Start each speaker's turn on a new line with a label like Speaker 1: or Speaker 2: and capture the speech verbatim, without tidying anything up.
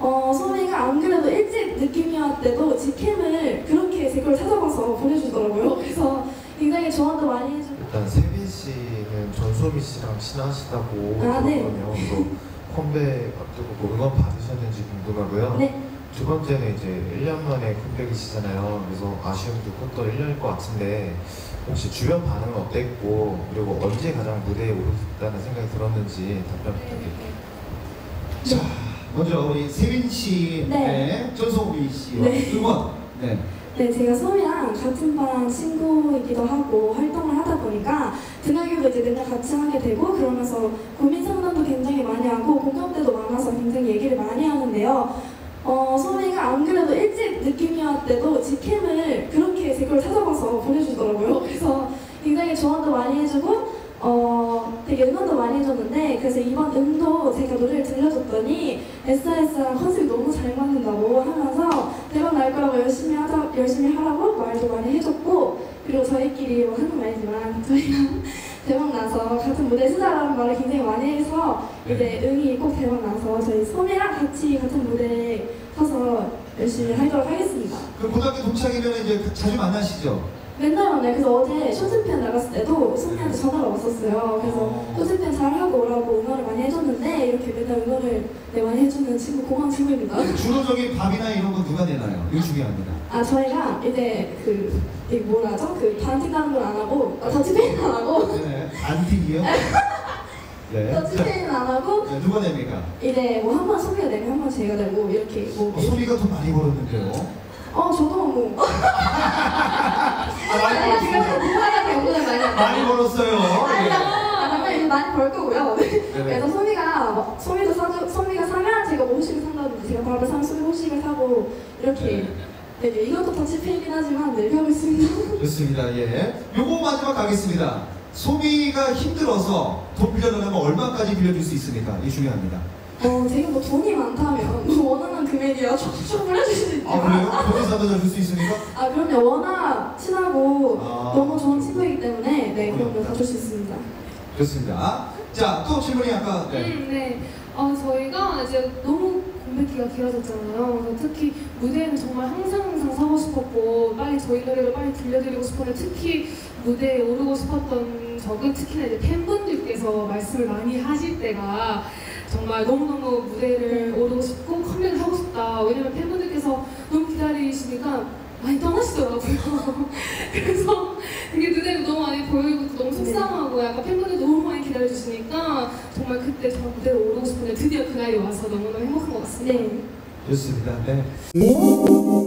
Speaker 1: 어, 소미가 안 그래도 일찍 느낌이었대도 직캠을 그렇게 제 걸 찾아봐서 보내주더라고요. 그래서 굉장히 조언도 많이 해주고.
Speaker 2: 일단 세빈 씨는 전소미 씨랑 친하시다고
Speaker 1: 아, 네.
Speaker 2: 들었거든요. 그래서 컴백 앞두고 뭐 응원 받으셨는지 궁금하고요.
Speaker 1: 네.
Speaker 2: 두 번째는 이제 일 년 만에 컴백이시잖아요. 그래서 아쉬움도 컸던 일 년일 것 같은데 혹시 주변 반응은 어땠고 그리고 언제 가장 무대에 오르고 싶다는 생각이 들었는지 답변 부탁드릴게요.
Speaker 3: 자, 먼저 우리 세빈 씨의
Speaker 1: 네.
Speaker 3: 전소미 씨와
Speaker 1: 네.
Speaker 3: 응원. 네.
Speaker 1: 네, 제가 소미랑 같은 반 친구이기도 하고 활동을 하다 보니까 등하교도 이제 맨날 같이 하게 되고 그러면서 고민 상담도 굉장히 많이 하고 공감대도 많아서 굉장히 얘기를 많이 하는데요. 어, 소미가 안 그래도 일찍 느낌이었대도 직캠을 그렇게 제 걸 찾아봐서 보내주더라고요. 그래서 굉장히 조언도 많이 해주고 어, 되게 응원도 많이 해줬는데 그래서 이번 음도 제가 노래를 들려줬더니 에스엔에스랑 컨셉이 너무 잘 맞는다고 하면서 대박 날 거라고 열심히 하자, 열심히 하라고 말도 많이 해줬고 그리고 저희끼리 뭐 하는 말이지만 저희랑 대박 나서 같은 무대에 서자라는 말을 굉장히 많이 해서 이제 응이 꼭 대박 나서 저희 소미랑 같이 같은 무대에 서서 열심히 하도록 하겠습니다.
Speaker 3: 그 고등학교 동창이면 이제 자주 만나시죠?
Speaker 1: 맨날 만나요. 그래서 어제 쇼츠팬 나갔을 때도 소미한테 전화가 왔었어요. 그래서 쇼츠팬 잘하고 오라고 응원을 많이 해줬는데 이렇게 맨날 응원을 네, 많이 해주는 친구 고마운 친구입니다.
Speaker 3: 주로 저기 밥이나 이런 건 누가 내나요? 이거 중요합니다.
Speaker 1: 아 저희가 이제 그 이게 뭐라 하죠? 그 반팀 가는 건 안 하고 아, 더치페이는 안 하고
Speaker 3: 네. 안티기요? 네.
Speaker 1: 더치페이는 안 하고
Speaker 3: 네, 누가 냅니까?
Speaker 1: 이제 뭐 한 번 소미가 내면 한 번 제가 내고 이렇게 뭐
Speaker 3: 어, 소미가 더 많이 벌었는데요.
Speaker 1: 어 저도 뭐
Speaker 3: 아, 많이
Speaker 1: 아니
Speaker 3: 벌었어요.
Speaker 1: 제가 누가가 경고를 많이 했어요.
Speaker 3: 많이 벌었어요.
Speaker 1: 아니요.
Speaker 3: 예.
Speaker 1: 아, 정말 이제 많이 벌 거고요.
Speaker 3: 네네.
Speaker 1: 그래서 소미가 뭐, 소미도 사주, 소미가 사면 제가 뭐 후식을 산다든지 제가 밥을 사면 소미 후식을 사고 이렇게 네, 네, 이것도 더치페이긴 하지만 네, 이렇게 하고 있습니다.
Speaker 3: 좋습니다. 예. 요거 마지막 가겠습니다. 소미가 힘들어서 돈 빌려달라면 얼마까지 빌려줄 수 있습니까? 이게 중요합니다.
Speaker 1: 어, 제가 뭐 돈이 많다면 뭐 원하는 금액이야 촉촉 보내줄 수 있지만
Speaker 3: 아 그래요? 돈이 사다 줄 수 있습니까?
Speaker 1: 아 그럼요. 워낙 친하고
Speaker 3: 아.
Speaker 1: 너무 좋은 친구이기 때문에 네 그럼요. 다 줄 수 있습니다.
Speaker 3: 좋습니다. 자, 또 질문이 아까 네.
Speaker 4: 음, 네. 어, 저희가 이제 너무 공백기가 길어졌잖아요. 그래서 특히 무대에는 정말 항상 항상 서고 싶었고 빨리 저희 노래를 빨리 들려드리고 싶었는데 특히 무대에 오르고 싶었던 적은 특히나 이제 팬분들께서 말씀을 많이 하실 때가 정말 너무너무 무대를 오르고 싶고 컴백을 하고 싶다. 왜냐면 팬분들께서 너무 기다리시니까 많이 떠나시더라고요. 그래서 그게 눈에 너무 많이 보이고 너무 속상하고 약간 팬분들 너무 많이 기다려주시니까 정말 그때 저 무대에 오르고 싶은데 드디어 그날이 와서 너무너무 행복한 것 같습니다.
Speaker 1: 네.
Speaker 3: 좋습니다. 네.